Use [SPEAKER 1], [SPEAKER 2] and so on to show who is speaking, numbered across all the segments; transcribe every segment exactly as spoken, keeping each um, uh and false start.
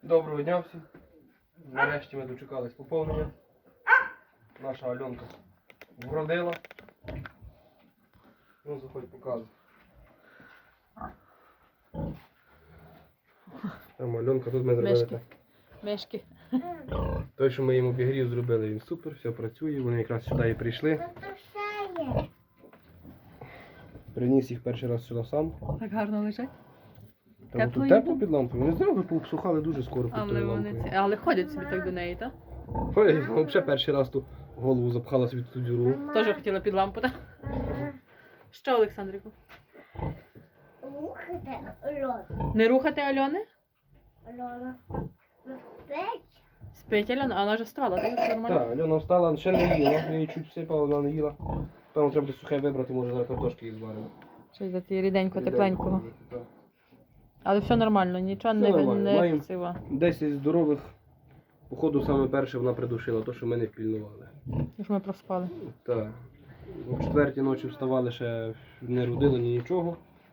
[SPEAKER 1] Доброго дня всім. Нарешті ми дочекались поповнення. Наша Альонка вродила. Ну, заходь, показуй. Там Альонка, тут ми зробили
[SPEAKER 2] Мишки.
[SPEAKER 1] так.
[SPEAKER 2] Мишки.
[SPEAKER 1] Той, що ми їм обігрів зробили, він супер, все працює. Вони якраз сюди і прийшли. Приніс їх перший раз сюди сам.
[SPEAKER 2] Так гарно лежать.
[SPEAKER 1] Та
[SPEAKER 2] Тепло
[SPEAKER 1] тут
[SPEAKER 2] їм?
[SPEAKER 1] тепло під лампою. Вони знову пообсухали дуже скоро під
[SPEAKER 2] Але
[SPEAKER 1] тою
[SPEAKER 2] вони
[SPEAKER 1] лампою.
[SPEAKER 2] ці. Але ходять собі так до неї, так?
[SPEAKER 1] Ой, ну, взагалі перший раз ту голову запхала собі в ту діру.
[SPEAKER 2] Теж хотіла під лампу, так? Що, Олександрику?
[SPEAKER 3] Рухати Альона.
[SPEAKER 2] Не рухати Альони?
[SPEAKER 3] Альона. Спить.
[SPEAKER 2] Спить Альона, а вона вже встала, так? Все нормально?
[SPEAKER 1] Так, Альона встала, ще не їла. Я її чуть всипала, вона не їла. Певно, треба буде сухе вибрати, може зараз картошки їй зваримо.
[SPEAKER 2] Щось за ті ріденько, тепленького.
[SPEAKER 1] Так.
[SPEAKER 2] Але все нормально, нічого
[SPEAKER 1] Все
[SPEAKER 2] не,
[SPEAKER 1] нормально.
[SPEAKER 2] не
[SPEAKER 1] Маємо-
[SPEAKER 2] цива.
[SPEAKER 1] Десять здорових. Походу, саме перше вона придушила, то, що ми не впільнували.
[SPEAKER 2] Тож ми проспали.
[SPEAKER 1] Так. О четвертій ночі вставали, ще не родили ні нічого.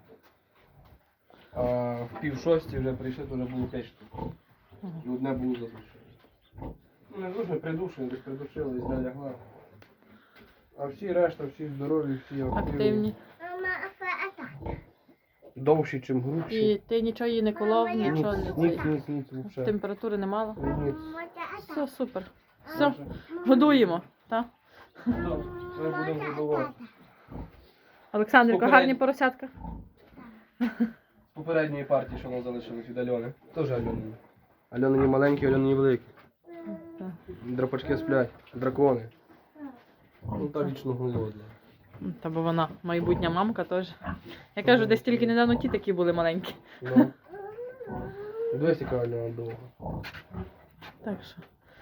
[SPEAKER 1] А в пів шостій вже прийшли, то вже було п'ять штук.
[SPEAKER 2] Ага.
[SPEAKER 1] І одне було задушено. Ну, не дуже придушено, десь придушили і зля лягла. А всі решта, всі здорові, всі активні.
[SPEAKER 2] Активні.
[SPEAKER 3] Мама, а так.
[SPEAKER 1] Довші, чим грубші.
[SPEAKER 2] І ти нічого її не колов, нічого не
[SPEAKER 1] Ніц,
[SPEAKER 2] цей.
[SPEAKER 1] ніц, ніц, взагалі.
[SPEAKER 2] Температури не мало.
[SPEAKER 1] Ніц.
[SPEAKER 2] Все, супер. Все, годуємо, так?
[SPEAKER 1] Ми будемо годувати.
[SPEAKER 2] Олександрівка,
[SPEAKER 1] Попередньо.
[SPEAKER 2] гарні поросятка.
[SPEAKER 1] З попередньої партії, що нам залишилось від Альони. Теж Альони. Альонині маленькі, Альонині великі.
[SPEAKER 2] Так.
[SPEAKER 1] Драпачки сплять, дракони. Ну та вічно голодна.
[SPEAKER 2] Та бо вона майбутня мамка теж. Я кажу, десь тільки недавно ті такі були маленькі.
[SPEAKER 1] Ну. Дивись, яка Альона довга.
[SPEAKER 2] Так що.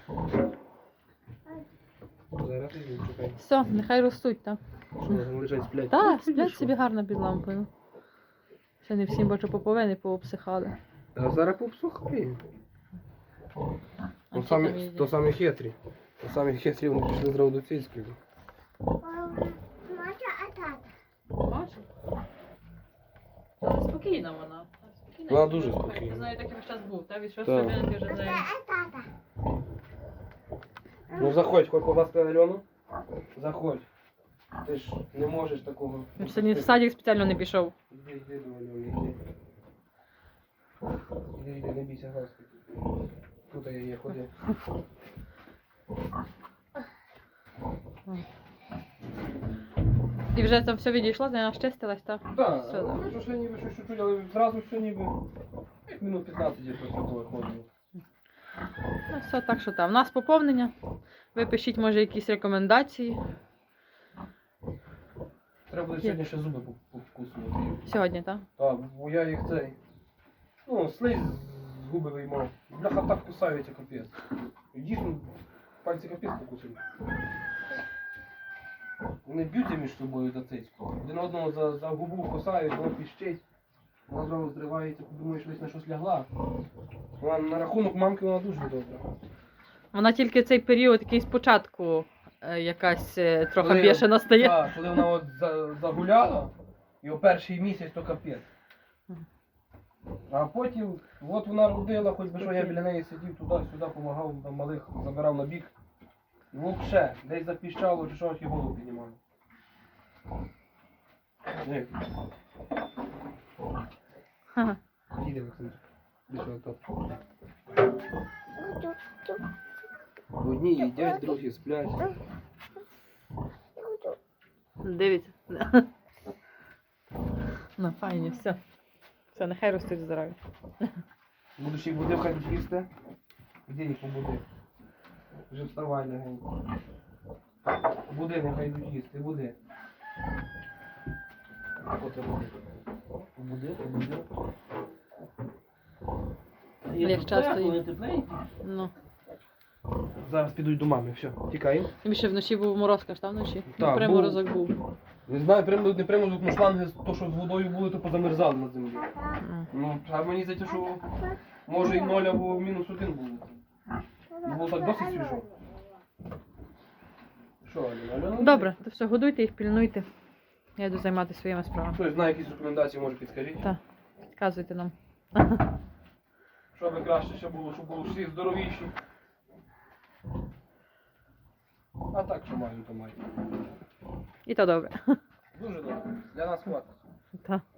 [SPEAKER 1] Зараз іду, чекай.
[SPEAKER 2] Все, нехай ростуть, так.
[SPEAKER 1] Що вони лежать, сплять?
[SPEAKER 2] Так,
[SPEAKER 1] Ну,
[SPEAKER 2] сплять
[SPEAKER 1] що?
[SPEAKER 2] собі гарно під лампою. Ще не всім бачу поповини пообсихали.
[SPEAKER 1] А зараз попсухає.
[SPEAKER 2] А
[SPEAKER 1] То
[SPEAKER 2] що
[SPEAKER 1] самі,
[SPEAKER 2] там їздять?
[SPEAKER 1] то самі хитрі. То самі хитрі, вони пішли зразу до Цільської.
[SPEAKER 3] Мама, а тата.
[SPEAKER 2] Бачиш? Спокійна вона. Спокійна.
[SPEAKER 1] Вона дуже спокійна.
[SPEAKER 2] Ти знаєш, такий весь час був, так? Від
[SPEAKER 1] Так.
[SPEAKER 2] шостої години ти вже знає.
[SPEAKER 3] А тата.
[SPEAKER 1] Ну заходь, хоч побачити Альону. Заходь. Ти ж не можеш такого.
[SPEAKER 2] Він сьогодні в садик спеціально не пішов.
[SPEAKER 1] Іди, іди до Альони, іди. Іди, іди, не бійся, глазки. Тут я є, ходи.
[SPEAKER 2] І вже це все відійшло, не очистилась, так?
[SPEAKER 1] Так,
[SPEAKER 2] Все, так.
[SPEAKER 1] що ще ніби щось чуть-чуть, але зразу все ніби. Як минут п'ятнадцять я просто виходив.
[SPEAKER 2] Ну все, так що там. У нас поповнення. Ви пишіть, може, якісь рекомендації.
[SPEAKER 1] Треба буде сьогодні ще зуби повкуснути.
[SPEAKER 2] Сьогодні, так?
[SPEAKER 1] Так, бо я їх цей. Ну, слизь з губи виймав. Бляха так кусаються, капець. Дійсно, пальці капець покусили. Вони б'ються між собою за цицьку. Один одного за, за губу кусають, воно піщить. Вона зразу зривається, подумаєш, десь на щось лягла. Вона на рахунок мамки вона дуже добра.
[SPEAKER 2] Вона тільки цей період, який спочатку е, якась е, трохи
[SPEAKER 1] Коли-
[SPEAKER 2] бішена стає.
[SPEAKER 1] Так, коли вона от за, загуляла, і о перший місяць то капець. А потім, от вона родила, хоч би що я біля неї сидів туди-сюди, допомагав на малих, забирав на бік. Ну ще, десь запіщало чи щось і голову піднімав. Ні.
[SPEAKER 2] Ага.
[SPEAKER 1] Їде, Олександр. Більше отак. Одні їдять, другі сплять.
[SPEAKER 2] Дивіться. Ну, файні, все. Все, нехай ростуть здорові.
[SPEAKER 1] Будеш їх будив, хай їсти. Де їх побуди? Вже вставай легенько. Буди, нехай йдуть їсти, буди. От я буди. Побуди, побуди.
[SPEAKER 2] Як часто їм.
[SPEAKER 1] Вони тепленькі.
[SPEAKER 2] Ну.
[SPEAKER 1] Зараз підуть до мами, все, тікаємо.
[SPEAKER 2] Тобі ще вночі був мороз, каш, там вночі?
[SPEAKER 1] Так,
[SPEAKER 2] Приморозок був.
[SPEAKER 1] Не знаю, приморозок, не приморозок, ну шланги, то що з водою були, то позамерзали на землі.
[SPEAKER 2] М.
[SPEAKER 1] Ну, а мені здається, що може і ноль або мінус один було. Ну, було так досить свіжо. Що, Альона? Альона?
[SPEAKER 2] Добре, то все, годуйте їх, пільнуйте. Я йду займатися своїми справами.
[SPEAKER 1] Хтось знає якісь рекомендації, може підскажіть.
[SPEAKER 2] Так, підказуйте нам.
[SPEAKER 1] Що Щоб краще ще було, щоб було всі здоровіші. А так, що маю, то маю.
[SPEAKER 2] І то добре.
[SPEAKER 1] Дуже добре. Для нас хватить.
[SPEAKER 2] Та.